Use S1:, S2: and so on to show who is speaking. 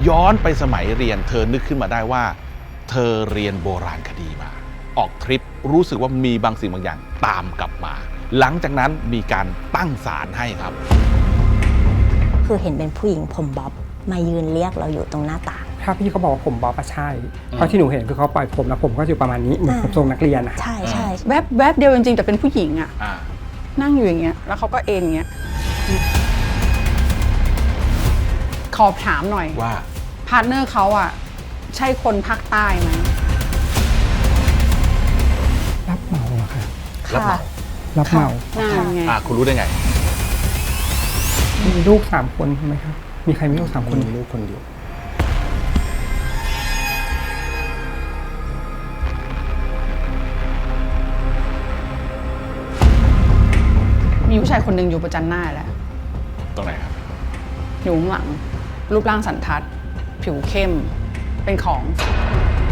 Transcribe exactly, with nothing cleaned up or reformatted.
S1: ย้อนไปสมัยเรียนเธอนึกขึ้นมาได้ว่าเธอเรียนโบราณคดีมาออกทริปรู้สึกว่ามีบางสิ่งบางอย่างตามกลับมา หลังจากนั้นมีการตั้งศาลให้ครับ
S2: คือเห็นเป็นผู้หญิงผมบ๊อบมายืนเรียกเราอยู่ตรงหน้าต่าง
S3: ถ้าพี่เขาบอกว่าผมบ๊อบอะใช่เพราะที่หนูเห็นคือเขาปล่อยผมแล้วผมก็อยู่ประมาณนี้เหมือนผมทรงนักเรียนอะ
S2: ใช่ใช่
S4: แวบแวบเดียวจริงๆแต่เป็นผู้หญิงอะ
S1: อ่า
S4: นั่งอยู่อย่างเงี้ยแล้วเขาก็เอ็นอย่างเงี้ยขอถามหน่อย
S1: ว่า
S4: พาร์ทเนอร์เขาอะใช่คนภาคใต้ไหม
S3: รับเหมาอะค่ะ
S1: รับเหมา
S3: รับเหมา
S4: นั่นไง
S1: อ่าคุณรู้ได้ไง
S3: มีลูกสามคนใช่ไหมครับมีใครมีลูกสามคน
S5: มีลูกคนเดียว
S4: มีผู้ชายคนหนึ่งอยู่ประจันหน้าแล้ว
S1: ตรงไหนครับ
S4: อยู่ข้างหลัง รูปร่างสันทัด ผิวเข้ม เป็นของ